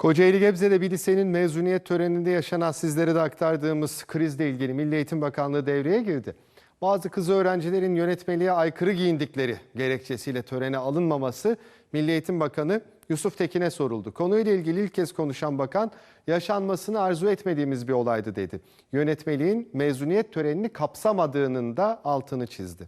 Kocaeli Gebze'de bir lisenin mezuniyet töreninde yaşanan sizlere de aktardığımız krizle ilgili Milli Eğitim Bakanlığı devreye girdi. Bazı kız öğrencilerin yönetmeliğe aykırı giyindikleri gerekçesiyle törene alınmaması Milli Eğitim Bakanı Yusuf Tekin'e soruldu. Konuyla ilgili ilk kez konuşan bakan, yaşanmasını arzu etmediğimiz bir olaydı dedi. Yönetmeliğin mezuniyet törenini kapsamadığının da altını çizdi.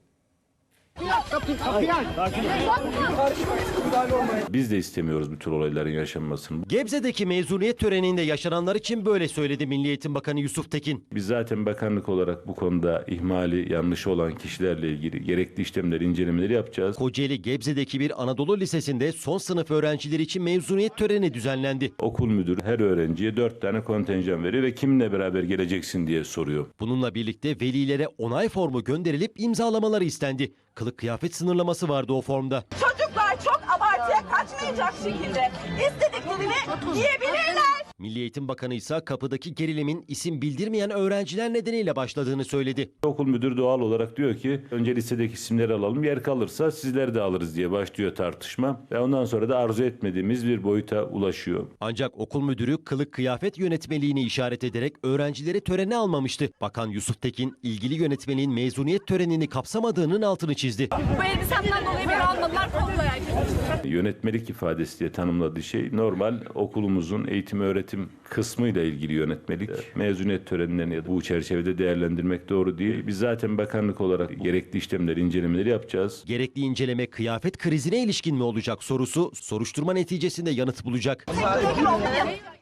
Biz de istemiyoruz bu tür olayların yaşanmasını. Gebze'deki mezuniyet töreninde yaşananlar için böyle söyledi Milli Eğitim Bakanı Yusuf Tekin. Biz zaten bakanlık olarak bu konuda ihmali, yanlışı olan kişilerle ilgili gerekli işlemleri, incelemeleri yapacağız. Kocaeli Gebze'deki bir Anadolu Lisesi'nde son sınıf öğrencileri için mezuniyet töreni düzenlendi. Okul müdürü her öğrenciye 4 tane kontenjan veriyor ve kiminle beraber geleceksin diye soruyor. Bununla birlikte velilere onay formu gönderilip imzalamaları istendi. Kılık kıyafet sınırlaması vardı o formda. Çocuklar çok abartıya kaçmayacak şekilde istediklerini giyebilirler. Milli Eğitim Bakanı ise kapıdaki gerilimin isim bildirmeyen öğrenciler nedeniyle başladığını söyledi. Okul müdürü doğal olarak diyor ki önce listedeki isimleri alalım, yer kalırsa sizleri de alırız diye başlıyor tartışma. Ve ondan sonra da arzu etmediğimiz bir boyuta ulaşıyor. Ancak okul müdürü kılık kıyafet yönetmeliğini işaret ederek öğrencileri törene almamıştı. Bakan Yusuf Tekin ilgili yönetmeliğin mezuniyet törenini kapsamadığının altını çizdi. Bu elbisemden dolayı beni almadılar, kolluya. Yönetmelik ifadesi diye tanımladığı şey normal okulumuzun eğitim öğretim kısmıyla ilgili yönetmelik. Mezuniyet törenlerini ya da bu çerçevede değerlendirmek doğru değil. Biz zaten bakanlık olarak gerekli işlemleri, incelemeleri yapacağız. Gerekli inceleme kıyafet krizine ilişkin mi olacak sorusu soruşturma neticesinde yanıt bulacak.